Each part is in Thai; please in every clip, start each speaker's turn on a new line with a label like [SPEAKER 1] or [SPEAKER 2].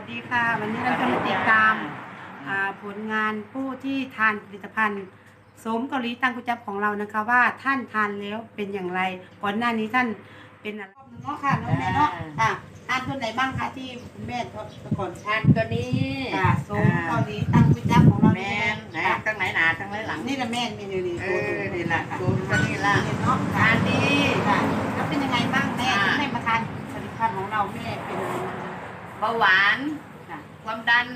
[SPEAKER 1] สดีค่ะวันนี้เราจะมาติดตามผลงานผู้ที่ทานผลิตภัณฑ์โสมเกาหลีตังกุจับของเรานะคะว่าท่านทานแล้วเป็นอย่างไรก่อนหน้านี้ท่านเป็นอะไรเนาะค่ะน้องแม่เนาะทานตัวไหนบ้างคะที่คุณแม่ก่อน
[SPEAKER 2] ทานตัวนี้
[SPEAKER 1] โสมเกาหลีตังกุจับของเรา
[SPEAKER 2] แม่นไหนตั้งไหนหนาตั้งไหนหลัง
[SPEAKER 1] นี่ละแม่นี่นี่
[SPEAKER 2] นี่ละตัวนี้ละ
[SPEAKER 1] เนาะ
[SPEAKER 2] ทานดี
[SPEAKER 1] แล้วเป็นยังไงบ้างแม่แม่มาทานผลิตภัณฑ์ของเราแม่เป็นยังไงบ้าง
[SPEAKER 2] เบาหวานความดัน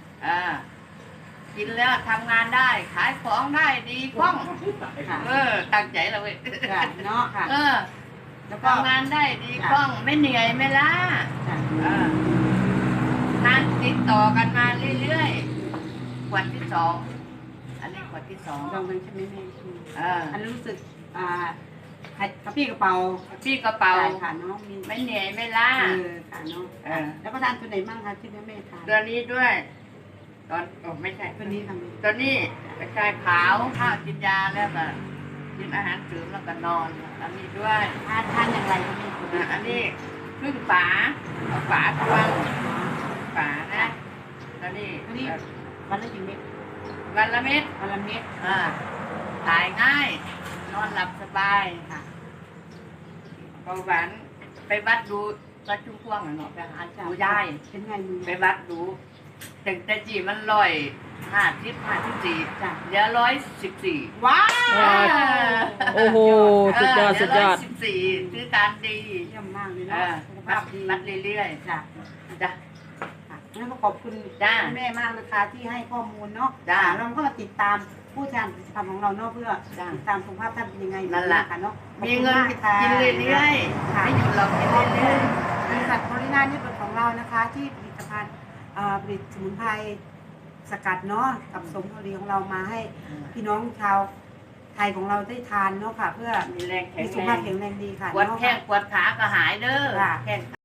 [SPEAKER 2] กินแล้วทำงานได้ขายของได้ดีคล่องตั้งใจเราเว้ย
[SPEAKER 1] เนาะค่ะแล้วก็
[SPEAKER 2] ทำงานได้ดีคล่องไม่เหนื่อยไม่ล้าทานติดต่อกันมาเรื่อยๆขวดที่สองอันนี้ขวดที่สอง
[SPEAKER 1] ลองกันใช่ไหมแม่อันนี้รู้สึกกระปี้กระเป๋า
[SPEAKER 2] พี่กระเป๋า
[SPEAKER 1] ค่ะเนาะมี
[SPEAKER 2] ไม่เหนื่อยไม่ล้า
[SPEAKER 1] ค่ะเนาะแล้วก็ทานตัวไหนบ้างคะที่แม่ทาน
[SPEAKER 2] ตัวนี้ด้วยตอนไม่ใช่
[SPEAKER 1] ตัวนี้ค่ะ
[SPEAKER 2] ตัวนี้กระชายขาวข้าวกินยาแล้วก็กินอาหารเสริมแล้วก็นอนอันนี้ด้วย
[SPEAKER 1] ทานอย่างไรคะแม่
[SPEAKER 2] อันนี้ครึ่งฝาเอาฝาทวงฝานะตัวนี้
[SPEAKER 1] วันละกี่เม็ด
[SPEAKER 2] วันละเม็ด
[SPEAKER 1] วันละเม็ด
[SPEAKER 2] ถ่ายง่ายนอนหลับสบายค่ะเบาหวานไปวัดดูวัดชุ่มพ่วงหน่อยเนาะไปหาดูยาย
[SPEAKER 1] เป็นไงมือ
[SPEAKER 2] ไปวัดดูแต่จีมัน154เดี๋ยว114
[SPEAKER 1] ว้า
[SPEAKER 3] โอ้โหสุดยอดสุดยอด
[SPEAKER 2] 114คือการดี
[SPEAKER 1] เยี่ยมมากเลยเนาะสุขภาพดี
[SPEAKER 2] วัดเรื่อยๆจ้ะ
[SPEAKER 1] งั้นก็ขอบคุณแม่มากนะคะที่ให้ข้อมูลเนาะเราก็มาติดตามผู้ทานผลิตภัณฑ์ของเราเนาะเพื่อติดตามสุขภาพท่านเป็นยังไงค่ะเนาะ
[SPEAKER 2] มีเงินกินเรื่อยๆไม่หยุดเรากินเรื่อยๆ
[SPEAKER 1] บริษัทโพลินานี่เป็นของเรานะคะที่ผลิตภัณฑ์ผลิตสมุนไพรสกัดเนาะกับสมเกาหลีของเรามาให้พี่น้องชาวไทยของเราได้ทานเนาะค่ะเพื่อ
[SPEAKER 2] มีแรงแข็
[SPEAKER 1] มี
[SPEAKER 2] ง
[SPEAKER 1] สุข
[SPEAKER 2] แร
[SPEAKER 1] ภาพ
[SPEAKER 2] ง
[SPEAKER 1] แข็งแรงดีค่ะ
[SPEAKER 2] ปวดแข้งปวดขาก็หายเด้อแข้ง